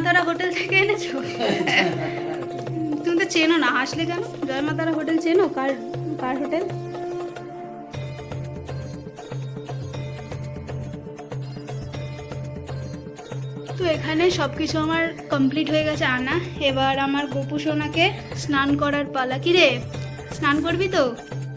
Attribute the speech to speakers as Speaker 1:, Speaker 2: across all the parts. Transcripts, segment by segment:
Speaker 1: তারা হোটেল থেকে এনেছো? তুমি তো চেনো না, হাসলে কেন? জয় মা তারা হোটেল চেনো? কার কার হোটেল? তো এখানে সব কিছু আমার কমপ্লিট হয়ে গেছে আনা। এবার আমার গোপু সোনাকে স্নান করার পালা। কি রে, স্নান করবি তো?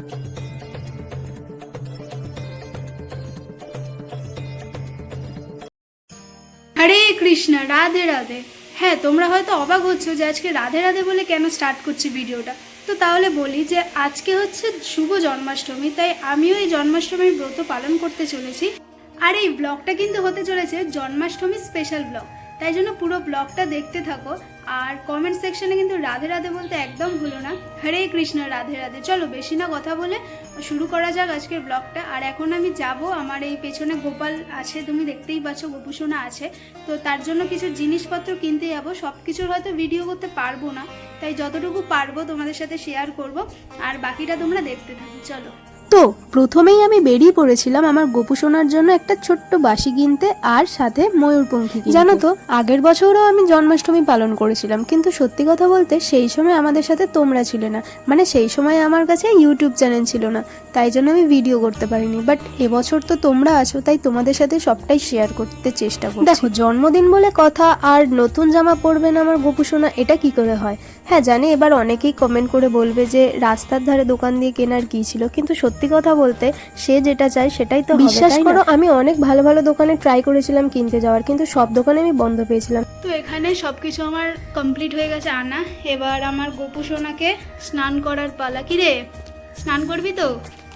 Speaker 1: হরে কৃষ্ণ, রাধে রাধে। হ্যাঁ, তোমরা হয়তো অবাক হচ্ছ যে আজকে রাধে রাধে বলে কেন স্টার্ট করছি ভিডিওটা। তো তাহলে বলি যে আজকে হচ্ছে শুভ জন্মাষ্টমী, তাই আমিও এই জন্মাষ্টমীর ব্রত পালন করতে চলেছি। আর এই ব্লগটা কিন্তু হতে চলেছে জন্মাষ্টমী স্পেশাল ব্লগ, তাই জন্য পুরো ব্লগটা দেখতে থাকো। আর কমেন্ট সেকশনে কিন্তু রাধে রাধে বলতে একদম ভুলো না। হরে কৃষ্ণ, রাধে রাধে। চলো বেশি না কথা বলে শুরু করা যাক আজকের ব্লগটা। আর এখন আমি যাব, আমার এই পেছনে গোপাল আছে, তুমি দেখতেই পাচ্ছ, গোপু সোনা আছে। তো তার জন্য কিছু জিনিসপত্র কিনতে যাবো। সব কিছুর হয়তো ভিডিও করতে পারবো না, তাই যতটুকু পারবো তোমাদের সাথে শেয়ার করব। আর বাকিটা তোমরা দেখতে থাকো, চলো।
Speaker 2: তো প্রথমেই আমি বেরিয়ে পড়েছিলাম আমার গোপু সোনার জন্য একটা ছোট্ট বাঁশি কিনতে, আর সাথে ময়ূরপঙ্খী কিনতে। জানো তো, আগের বছরও আমি জন্মাষ্টমী পালন করেছিলাম, কিন্তু সত্যি কথা বলতে সেই সময় আমাদের সাথে তোমরা ছিলে না। মানে সেই সময় আমার কাছে ইউটিউব চ্যানেল ছিল না, তাই জন্য আমি ভিডিও করতে পারিনি। বাট এবছর তো তোমরা আছো, তাই তোমাদের সাথে সবটাই শেয়ার করতে চেষ্টা করছি। দেখো, জন্মদিন বলে কথা, আর নতুন জামা পরবেন আমার গোপু সোনা, এটা কি করে হয়? হ্যাঁ জানি, এবার অনেকেই কমেন্ট করে বলবে যে রাস্তার ধারে দোকান দিয়ে কেনার কি ছিল, কিন্তু সত্যি কথা বলতে সে যেটা চায় সেটাই তো হবে। বিশ্বাস করো, আমি অনেক ভালো ভালো দোকানে ট্রাই করেছিলাম কিনতে যাওয়ার, কিন্তু সব দোকানে আমি বন্ধ পেয়েছিলাম।
Speaker 1: তো এখানে সব কিছু আমার কমপ্লিট হয়ে গেছে আনা। এবার আমার গোপু সোনাকে স্নান করার পালা। কি রে, স্নান করবি তো?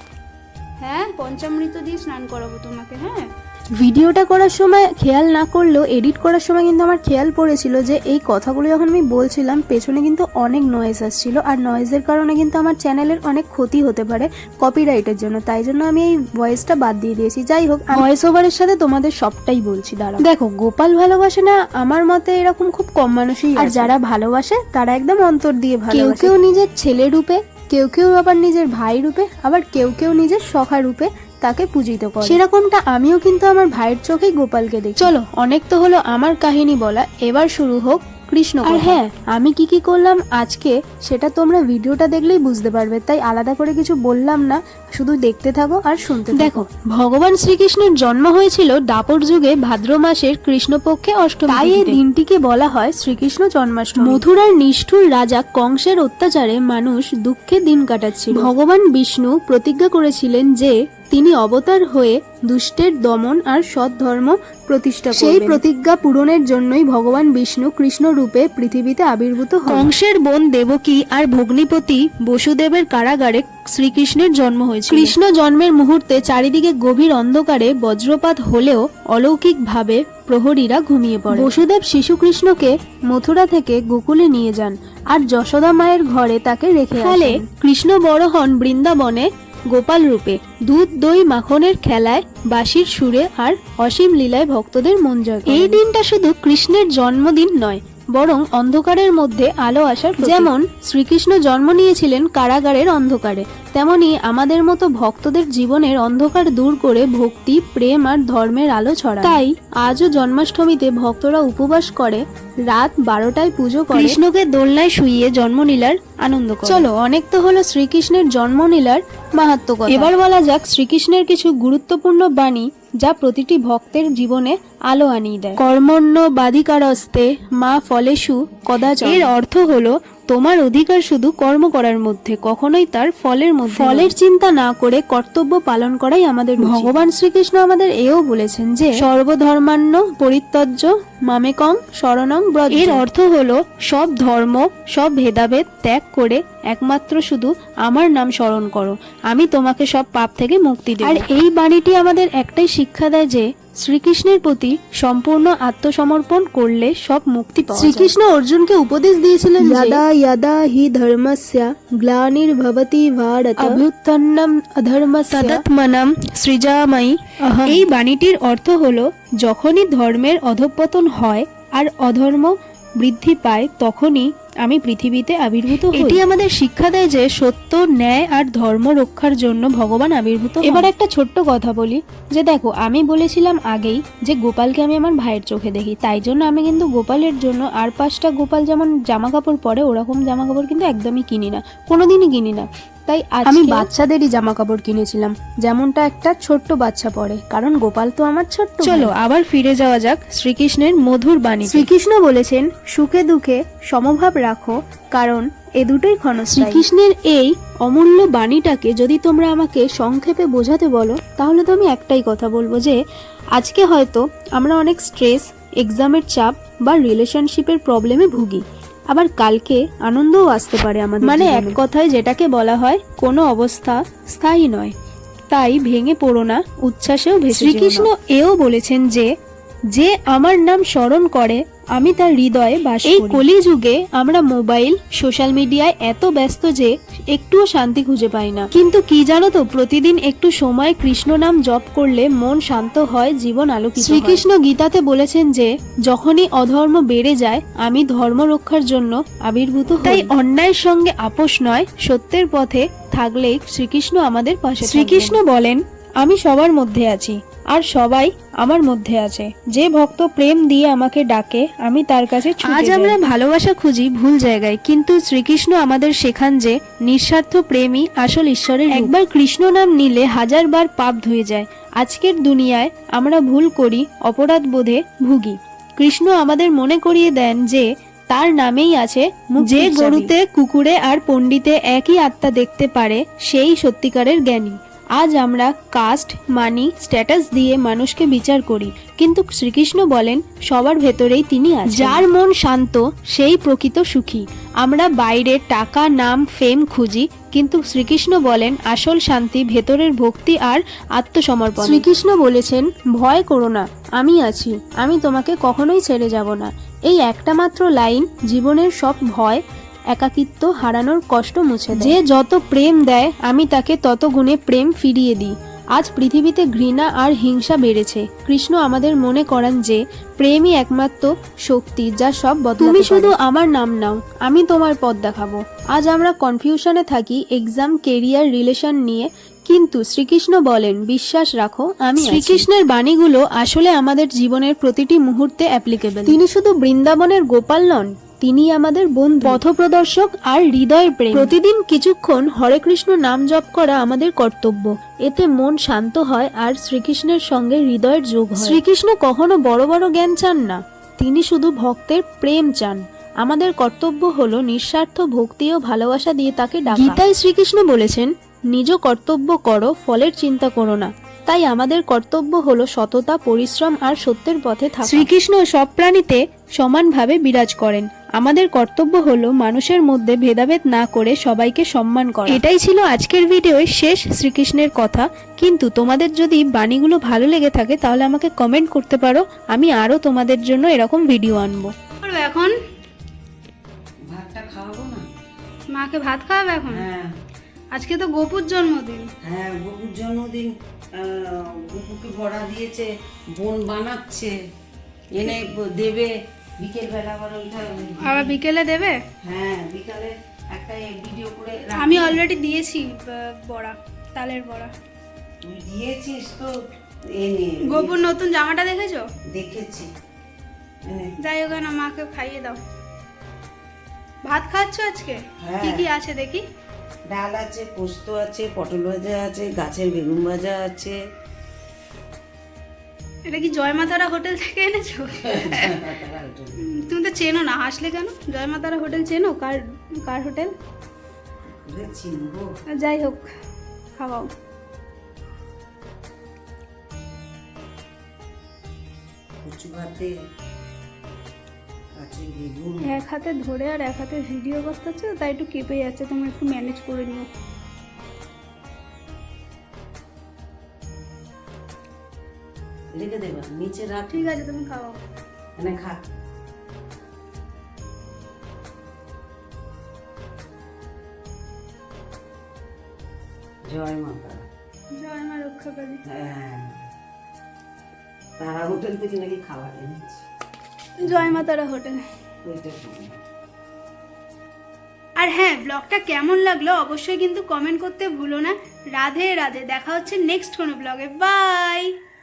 Speaker 1: হ্যাঁ, পঞ্চামৃত দিয়ে স্নান করাবো তোমাকে। হ্যাঁ,
Speaker 2: ভিডিওটা করার সময় খেয়াল না করলেও এডিট করার সময় কিন্তু আমার খেয়াল পড়েছিল যে এই কথাগুলো যখন আমি বলছিলাম পেছনে কিন্তু অনেক নয়েজ আসছিল, আর নয়েজের কারণে কিন্তু আমার চ্যানেলের অনেক ক্ষতি হতে পারে কপিরাইটের জন্য, তাই জন্য আমি এই ভয়েসটা বাদ দিয়ে দিয়েছি। যাই হোক, ভয়েস ওভারের সাথে তোমাদের সবটাই বলছি। দাঁড়াও, দেখো, গোপাল ভালোবাসে না আমার মতে এরকম খুব কম মানুষই, আর যারা ভালোবাসে তারা একদম অন্তর দিয়ে ভালোবাসে। কেউ কেউ নিজের ছেলে রূপে, কেউ কেউ আবার নিজের ভাই রূপে, আবার কেউ কেউ নিজের সখা রূপে তাকে পূজিত করে। সেরকমটা আমিও কিন্তু আমার ভাইয়ের চোখেই গোপালকে দেখি। চলো, অনেক তো হলো আমার কাহিনী বলা, এবার শুরু হোক কৃষ্ণ। আর হ্যাঁ, আমি কি কি করলাম আজকে সেটা তোমরা ভিডিওটা দেখলেই বুঝতে পারবে, তাই আলাদা করে কিছু বললাম না, শুধু দেখতে থাকো আর শুনতে থাকো। দেখো, ভগবান শ্রীকৃষ্ণের জন্ম হয়েছিল দাপর যুগে ভাদ্র মাসের কৃষ্ণপক্ষে অষ্টমী, তাই এই দিনটিকে বলা হয় শ্রীকৃষ্ণ জন্মাষ্টমী। মথুরার নিষ্ঠুর রাজা কংসের অত্যাচারে মানুষ দুঃখে দিন কাটাচ্ছিল। ভগবান বিষ্ণু প্রতিজ্ঞা করেছিলেন যে তিনি অবতার হয়ে দুষ্টের দমন আর সৎ ধর্ম প্রতিষ্ঠা করবেন। সেই প্রতিজ্ঞা পূরণের জন্যই ভগবান বিষ্ণু কৃষ্ণ রূপে পৃথিবীতে আবির্ভূত হন। কংসের বোন দেবকী আর ভগ্নিপতি বসুদেবের কারাগারে শ্রীকৃষ্ণের জন্ম হয়েছিল। কৃষ্ণ জন্মের মুহূর্তে চারিদিকে গভীর অন্ধকারে বজ্রপাত হলেও অলৌকিকভাবে প্রহরীরা ঘুমিয়ে পড়ে। বসুদেব শিশু কৃষ্ণকে মথুরা থেকে গোকুলে নিয়ে যান, আর যশোদা মায়ের ঘরে তাকে রেখে আসেন। ফলে কৃষ্ণ বড় হন বৃন্দাবনে গোপাল রূপে, দুধ দই মাখনের খেলায়, বাঁশির সুরে আর অসীম লীলায় ভক্তদের মন জয় করেন। এই দিনটা শুধু কৃষ্ণের জন্মদিন নয়, বরং অন্ধকারের মধ্যে আলো আসার। যেমন শ্রীকৃষ্ণ জন্ম নিয়েছিলেন কারাগারের অন্ধকারে, তেমনি আমাদের মতো ভক্তদের জীবনের অন্ধকার দূর করে ভক্তি, প্রেম আর ধর্মের আলো ছড়ায়। তাই আজও জন্মাষ্টমীতে ভক্তরা উপবাস করে, রাত 12টায় পুজো করে, কৃষ্ণকে দোলনায় শুইয়ে জন্মলীলার আনন্দ করে। চলো, অনেক তো হলো শ্রীকৃষ্ণের জন্মলীলার মাহাত্ম্য কথা, এবার বলা যাক শ্রীকৃষ্ণের কিছু গুরুত্বপূর্ণ বাণী যা প্রতিটি ভক্তের জীবনে আলো আনিয়ে দেয়। কর্মণ্য বাধিকারস্তে মা ফলেষু কদাচন। এর অর্থ হলো তোমার অধিকার শুধু কর্ম করার মধ্যে, কখনোই তার ফলের মধ্যে। ফলের চিন্তা না করে কর্তব্য পালন করাই আমাদের। ভগবান শ্রীকৃষ্ণ আমাদের এও বলেছেন যে সর্বধর্মান্য পরিত্যজ্য মামেকং শরণং ব্রজ। এর অর্থ হলো সব ধর্ম, সব ভেদাভেদ ত্যাগ করে একমাত্র শুধু আমার নাম স্মরণ করো, আমি তোমাকে সব পাপ থেকে মুক্তি দেব। আর এই বাণীটি আমাদের একটাই শিক্ষা দেয় যে শ্রীকৃষ্ণের প্রতি সম্পূর্ণ আত্মসমর্পণ করলে সব মুক্তি পাওয়া যায়। শ্রীকৃষ্ণ অর্জুনকে উপদেশ দিয়েছিলেন যদা যদা হি ধর্মস্য গ্লানির্ভবতি ভারত অভ্যুত্থানম অধর্মস্য তদাত্মনম সৃজামি অহম। এই বাণীটির অর্থ হলো যখনই ধর্মের অধঃপতন হয় আর অধর্ম বৃদ্ধি পায়, তখনই আমি পৃথিবীতে আবির্ভূত হই। এটি আমাদের শিক্ষা দেয় যে সত্য, ন্যায় আর ধর্ম রক্ষার জন্য ভগবান আবির্ভূত হন। এবার একটা ছোট্ট কথা বলি, যে দেখো আমি বলেছিলাম আগেই যে গোপালকে আমি আমার ভাইয়ের চোখে দেখি, তাই জন্য আমি কিন্তু গোপালের জন্য আর 5টা গোপাল যেমন জামা কাপড় পরে ওরকম জামা কাপড় কিন্তু একদমই কিনি না, কোনোদিনই কিনি না। তাই আমি বাচ্চাদেরই জামা কাপড় কিনেছিলাম, যেমনটা একটা ছোট্ট বাচ্চা পরে, কারণ গোপাল তো আমার ছোট্ট। চলো আবার ফিরে যাওয়া যাক শ্রীকৃষ্ণের মধুর বাণী। শ্রীকৃষ্ণ বলেছেন, সুখে দুঃখে সমভাব রাখো, কারণ এ দুটোই ক্ষণস্থায়ী। শ্রীকৃষ্ণের এই অমূল্য বাণীটাকে যদি তোমরা আমাকে সংক্ষেপে বোঝাতে বলো, তাহলে তো আমি একটাই কথা বলবো, যে আজকে হয়তো আমরা অনেক স্ট্রেস, এক্সামের চাপ বা রিলেশনশিপের প্রবলেমে ভুগি, আবার কালকে আনন্দও আসতে পারে আমাদের। মানে এক কথায় যেটাকে বলা হয়, কোনো অবস্থা স্থায়ী নয়, তাই ভেঙে পড়ো না, উচ্ছ্বাসেও ভেসে যেও না। শ্রীকৃষ্ণ এও বলেছেন যে যে আমার নাম স্মরণ করে আমি তার হৃদয়ে বাস করি। এই কলিযুগে আমরা মোবাইল, সোশ্যাল মিডিয়ায় এত ব্যস্ত যে একটুও শান্তি খুঁজে পাই না, কিন্তু কি জানো তো, প্রতিদিন একটু সময় কৃষ্ণ নাম জপ করলে মন শান্ত হয়, জীবন আলোকিত হয়। শ্রীকৃষ্ণ গীতাতে বলেছেন যে যখনই অধর্ম বেড়ে যায় আমি ধর্ম রক্ষার জন্য আবির্ভূত হই। তাই অন্যায়ের সঙ্গে আপোষ নয়, সত্যের পথে থাকলেই শ্রীকৃষ্ণ আমাদের পাশে। শ্রীকৃষ্ণ বলেন, আমি সবার মধ্যে আছি আর সবাই আমার মধ্যে আছে, যে ভক্ত প্রেম দিয়ে আমাকে ডাকে আমি তার কাছে ছুটে যাই। আজ আমরা ভালোবাসা খুঁজি ভুল জায়গায়, কিন্তু শ্রীকৃষ্ণ আমাদের শেখান যে নিঃস্বার্থ প্রেমই আসল ঈশ্বরের রূপ। একবার কৃষ্ণ নাম নিলে 1000 বার পাপ ধুয়ে যায়। আজকের দুনিয়ায় আমরা ভুল করি, অপরাধ বোধে ভুগি। কৃষ্ণ আমাদের মনে করিয়ে দেন যে তার নামেই আছে মুক্তির চাবি। যে গরুতে, কুকুরে আর পণ্ডিতে একই আত্মা দেখতে পারে সেই সত্যিকারের জ্ঞানী। আজ আমরা কাস্ট, মানি, স্ট্যাটাস দিয়ে মানুষকে বিচার করি, কিন্তু শ্রীকৃষ্ণ বলেন সবার ভেতরেই তিনি আছেন। যার মন শান্ত সেই প্রকৃত সুখী। আমরা বাইরে টাকা, নাম, ফেম খুঁজি, কিন্তু শ্রীকৃষ্ণ বলেন আসল শান্তি ভেতরের ভক্তি আর আত্মসমর্পণ। শ্রীকৃষ্ণ বলেছেন, ভয় করো না, আমি আছি, আমি তোমাকে কখনোই ছেড়ে যাব না। এই একটা মাত্র লাইন জীবনের সব ভয়, একাকিত্ব, হারানোর কষ্ট মুছে দেয়। যে যত প্রেম দেয় আমি তাকে তত গুণে প্রেম ফিরিয়ে দিই। আজ পৃথিবীতে ঘৃণা আর হিংসা বেড়েছে, কৃষ্ণ আমাদের মনে করান যে প্রেমই একমাত্র শক্তি যা সব বদলাতে পারে। তুমি শুধু আমার নাম নাও, আমি তোমার পথ দেখাবো। আজ আমরা কনফিউশনে থাকি এক্সাম, কেরিয়ার, রিলেশন নিয়ে, কিন্তু শ্রীকৃষ্ণ বলেন বিশ্বাস রাখো আমি আছি। শ্রীকৃষ্ণের বাণীগুলো আসলে আমাদের জীবনের প্রতিটি মুহূর্তে অ্যাপ্লিকেবল। তিনি শুধু বৃন্দাবনের গোপাল নন, তিনি আমাদের বন্ধু, পথপ্রদর্শক আর হৃদয়ের প্রেম। প্রতিদিন কিছুক্ষণ হরে কৃষ্ণ নাম জপ করা আমাদের কর্তব্য, এতে মন শান্ত হয় আর শ্রীকৃষ্ণের সঙ্গে হৃদয়ের যোগ হয়। শ্রীকৃষ্ণ কখনো বড় বড় জ্ঞান চান না, তিনি শুধু ভক্তের প্রেম চান। আমাদের কর্তব্য হলো নিঃস্বার্থ ভক্তি ও ভালোবাসা দিয়ে তাকে ডাকা। গীতায় শ্রীকৃষ্ণ বলেছেন, নিজ কর্তব্য করো, ফলের চিন্তা করো না। তাই আমাদের কর্তব্য হলো সততা, পরিশ্রম আর সত্যের পথে থাকা। শ্রীকৃষ্ণ সব প্রাণীতে সমানভাবে বিরাজ করেন। আমাদের কর্তব্য হলো মানুষের মধ্যে ভেদাভেদ না করে সবাইকে সম্মান করা। এটাই ছিল আজকের ভিডিওর শেষ শ্রীকৃষ্ণের কথা। কিন্তু তোমাদের যদি বাণীগুলো ভালো লেগে থাকে তাহলে আমাকে কমেন্ট করতে পারো, আমি আরো তোমাদের জন্য এরকম ভিডিও আনবো।
Speaker 1: এখন
Speaker 3: ভাতটা খাওয়াবো না?
Speaker 1: মাকে ভাত খাওয়াবে এখন?
Speaker 3: হ্যাঁ।
Speaker 1: আজকে তো গোপুর জন্মদিন।
Speaker 3: হ্যাঁ, গোপুর জন্মদিন। গোপুকে বড়া দিয়েছে, বোন বানাচ্ছে, এনে দেবে বিকেল বেলা।
Speaker 1: আবার বিকেলে দেবে?
Speaker 3: হ্যাঁ, বিকালে একটা ভিডিও করে
Speaker 1: আমি অলরেডি দিয়েছি বড়া, তালের বড়া।
Speaker 3: তুই দিয়েছিস তো, এনে
Speaker 1: গোপুর নতুন জামাটা দেখেছো?
Speaker 3: দেখেছি।
Speaker 1: যাই হোক না, মাকে খাইয়ে দাও। ভাত খাচ্ছ আজকে?
Speaker 3: হ্যাঁ।
Speaker 1: কি কি আছে দেখি?
Speaker 3: ডাল আছে, পোস্ত আছে, পটল ভাজা আছে, গাছের বেগুন ভাজা আছে।
Speaker 1: এটা কি জয়মাতারা হোটেল থেকে এনেছো? তুমি তো চেনো না, হাসলে কেন? জয়মাতারা হোটেল চেনো? কার হোটেল?
Speaker 3: চিনবো।
Speaker 1: যাই হোক, খাওয়াও।
Speaker 3: কচু ভাতে আছে বেগুন।
Speaker 1: এক হাতে ধরে আর এক হাতে ভিডিও করতে হচ্ছে, তাই একটু কেঁপে যাচ্ছে, তুমি একটু ম্যানেজ করে নিও।
Speaker 3: রেখে দেবা, নিচে রাখ।
Speaker 1: ঠিক আছে, তুমি খাওয়াও।
Speaker 3: এনে খা। জয় মাতা।
Speaker 1: জয় মা রক্ষাকারী।
Speaker 3: হ্যাঁ, তারা হোটেল থেকে নাকি খাবার এনেছে।
Speaker 1: জয় মা তারা হোটেল।
Speaker 3: ওইটা
Speaker 1: আর হ্যাঁ, ব্লগটা কেমন লাগলো অবশ্যই কিন্তু কমেন্ট করতে ভুলো না। রাধে রাধে, দেখা হচ্ছে নেক্সট কোনো ব্লগে। বাই।